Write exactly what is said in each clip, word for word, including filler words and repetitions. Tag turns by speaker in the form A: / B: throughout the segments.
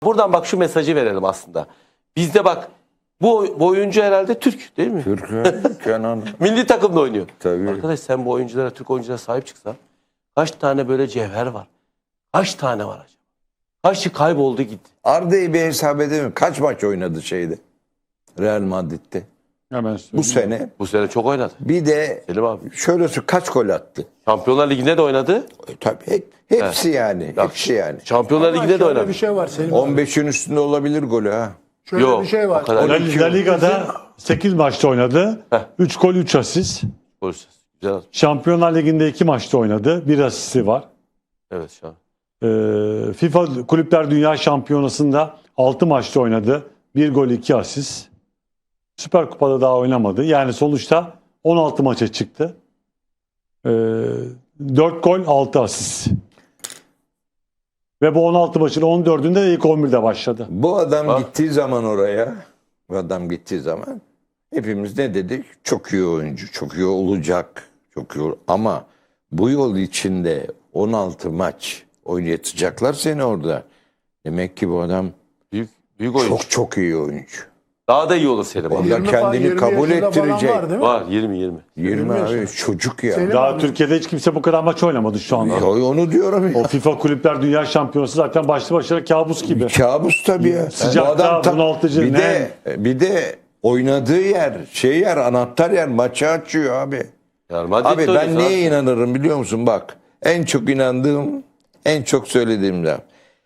A: Buradan bak şu mesajı verelim aslında. Bizde bak bu, bu oyuncu herhalde Türk değil mi?
B: Türk, Kenan.
A: Milli takımda oynuyor.
B: Tabii.
A: Arkadaş sen bu oyunculara, Türk oyunculara sahip çıksan kaç tane böyle cevher var? Kaç tane var acaba? Kaçı kayboldu gitti?
B: Arda'yı bir hesap edemiyorum. Kaç maç oynadı şeyde? Real Madrid'de.
C: Hemen
B: Bu sene.
A: Bu sene çok oynadı.
B: Bir de
A: Selim abi.
B: şöyle söyleyeyim, kaç gol attı?
A: Şampiyonlar Ligi'nde de oynadı.
B: E, tabii hep, hepsi
A: Evet.
B: yani.
A: Bak,
B: hepsi yani.
A: Şampiyonlar
D: Ama
A: Ligi'nde de
D: şöyle
A: oynadı.
D: bir şey var Selim.
B: on beşin üstünde olabilir golü ha.
D: Şöyle
A: Yok,
D: bir şey var.
A: o kadar.
C: La, La Liga'da sekiz maçta oynadı.
A: Heh.
C: üç gol üç asist.
A: Golsüz. Güzel atmış.
C: Şampiyonlar Ligi'nde iki maçta oynadı. bir asisti var.
A: Evet şu an.
C: Ee, FIFA Kulüpler Dünya Şampiyonası'nda altı maçta oynadı. bir gol iki asist. Süper Kupa'da daha oynamadı. Yani sonuçta on altı maça çıktı. Ee, dört gol altı asist. Ve bu on altı maçın on dördünde de ilk on birde başladı.
B: Bu adam
A: Bak.
B: gittiği zaman oraya, bu adam gittiği zaman hepimiz ne dedik? Çok iyi oyuncu, çok iyi olacak. Çok iyi ol- Ama bu yol içinde on altı maç oynatacaklar seni orada. Demek ki bu adam
A: Büyük, büyük oyuncu.
B: çok çok iyi oyuncu.
A: Daha da iyi olur Selim abi.
B: Orada
D: yirmi falan,
B: kendini
D: yirmi
B: kabul
D: yaşında falan
B: ettirecek.
D: Var, değil mi?
A: Var yirmi yirmi.
B: yirmi abi
D: yaşında.
B: çocuk ya.
D: Senin-
C: Daha
D: abi.
C: Türkiye'de hiç kimse bu kadar maç oynamadı şu anda.
B: Ya onu diyorum
C: O
B: ya.
C: FIFA Kulüpler Dünya Şampiyonası zaten başlı başına kabus gibi.
B: Kabus tabii ya.
C: Sıcakta,
B: Bu tam-
C: bunaltıcı,
B: Bir
C: ne?
B: de, bir de oynadığı yer, şey yer, anahtar yer, maçı açıyor abi.
A: Yani Madrid'de
B: Abi ben
A: oynuyorsun
B: neye
A: abi.
B: inanırım biliyor musun? Bak en çok inandığım, en çok söylediğim laf.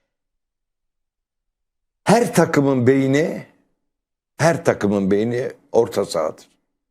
B: Her takımın beyni, her takımın beyni orta sahadır.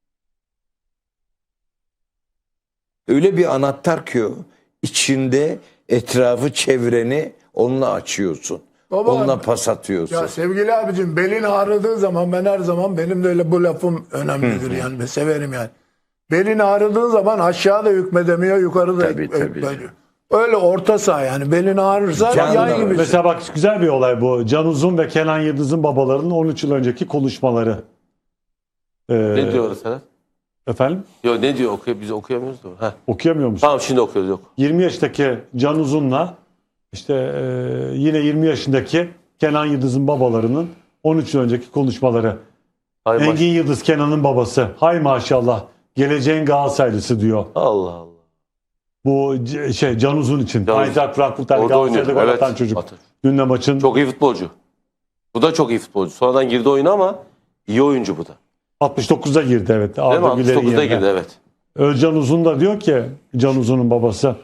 B: Öyle bir anahtar ki o, içinde etrafı, çevreni onunla açıyorsun.
D: Baba,
B: onunla pas atıyorsun.
D: Ya sevgili abicim belin ağrıdığı zaman ben her zaman benim de öyle bu lafım önemlidir yani ben severim yani. Belin ağrıdığı zaman aşağı da hükmedemiyor yukarı da
B: Tabii,
D: hük-
B: tabii.
D: hükmediyor. Öyle orta saha yani belin ağrırsa
B: Canlı
D: yay gibi.
C: Mesela bak güzel bir olay bu. Can Uzun ve Kenan Yıldız'ın babalarının on üç yıl önceki konuşmaları. Ee,
A: Ne diyoruz Serhat?
C: Efendim?
A: Yok ne diyor? Okuyor, biz okuyamıyoruz da. Heh.
C: Okuyamıyor musun?
A: Tamam şimdi okuyoruz yok.
C: yirmi yaşındaki Can Uzun'la işte e, yine yirmi yaşındaki Kenan Yıldız'ın babalarının on üç yıl önceki konuşmaları.
A: Hay maş-
C: Engin Yıldız Kenan'ın babası. Hay maşallah. Geleceğin Galatasaraylısı diyor.
A: Allah Allah.
C: Bu c- şey Can Uzun için.
A: Can Uzun.
C: Eintracht Frankfurt'tan
A: Orada
C: Galatasaray'da
A: oynuyor.
C: gol
A: Evet.
C: atan çocuk.
A: Atır.
C: Dün de maçın
A: Çok iyi futbolcu. Bu da çok iyi futbolcu. Sonradan girdi oyuna ama iyi oyuncu bu da.
C: altmış dokuzda girdi evet.
A: Değil mi?
C: Arda
A: altmış
C: Güler'in
A: dokuzda
C: yerine.
A: girdi evet.
C: Özcan Uzun da diyor ki Can Uzun'un babası.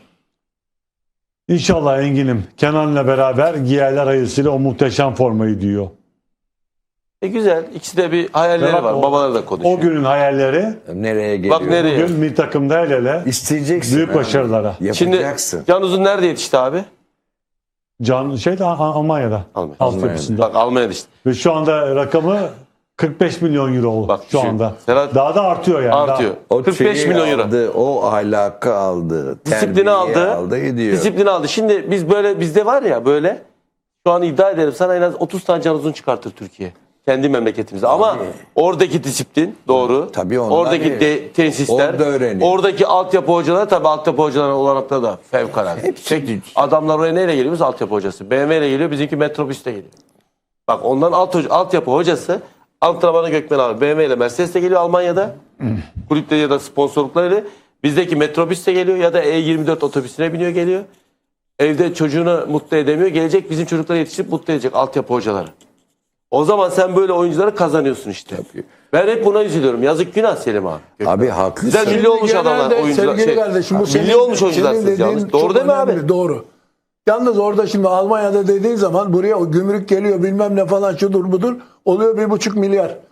C: İnşallah Engin'im Kenan'la beraber giyerler hayırlısıyla o muhteşem formayı diyor.
A: E güzel. İkisi de bir hayalleri
C: Bak
A: var.
C: o-
A: Babaları da konuşuyor.
C: O günün hayalleri
B: Nereye geliyor?
A: Bak nereye?
C: bugün milli takımda el ele
B: İsteyeceksin.
C: büyük
B: abi.
C: başarılara.
A: Şimdi
B: Yapacaksın.
A: Can Uzun nerede yetişti abi?
C: Can şeyde Al- Almanya'da.
A: Almanya'da.
C: Altyapısında.
A: Bak Almanya'da işte.
C: Ve şu anda rakamı kırk beş milyon euro
A: Bak
C: şu
A: şu-
C: anda.
A: Serhat-
C: Daha da artıyor yani.
A: Artıyor.
B: O
A: kırk beş
B: şeyi
A: milyon euro.
B: aldı, o ahlakı aldı,
A: Disiplini
B: terbiyeyi
A: aldı.
B: aldı ediyor.
A: Disiplini aldı. Şimdi biz böyle bizde var ya böyle şu an iddia ederim sana en az otuz tane Can Uzun çıkartır Türkiye. Kendi memleketimizde. Ama oradaki disiplin doğru.
B: Tabii onlar
A: oradaki
B: iyi.
A: de, tesisler.
B: Orada öğreniyor.
A: Oradaki altyapı hocaları tabii altyapı hocalarının olanakları da fevkalade.
B: Hepsi
A: Tek-
B: güç.
A: adamlar oraya neyle geliyor? Biz altyapı hocası. B M W ile geliyor. Bizimki metrobüste geliyor. Bak ondan alt, hoca- altyapı hocası antrenmana Gökmen abi. B M W ile Mercedes de geliyor Almanya'da. Kulüpte ya da sponsorlukları. Bizdeki metrobüs de geliyor ya da E yirmi dört otobüsüne biniyor geliyor. Evde çocuğunu mutlu edemiyor. Gelecek bizim çocukları yetiştirip mutlu edecek altyapı hocaları. O zaman sen böyle oyuncuları kazanıyorsun işte.
B: Tabii.
A: Ben hep buna üzülüyorum. Yazık günah Selim abi.
B: Abi haklısın.
A: Güzel milli olmuş
D: Genelde
A: adamlar oyuncular.
D: sevgili
A: Şey,
D: kardeşim, bu
A: milli
D: senin-
A: olmuş oyuncular
D: senin
A: siz
D: dediğin
A: yalnız. Doğru
D: çok
A: değil mi abi?
D: önemli, doğru. Yalnız orada şimdi Almanya'da dediğin zaman buraya o gümrük geliyor bilmem ne falan şudur budur oluyor bir buçuk milyar.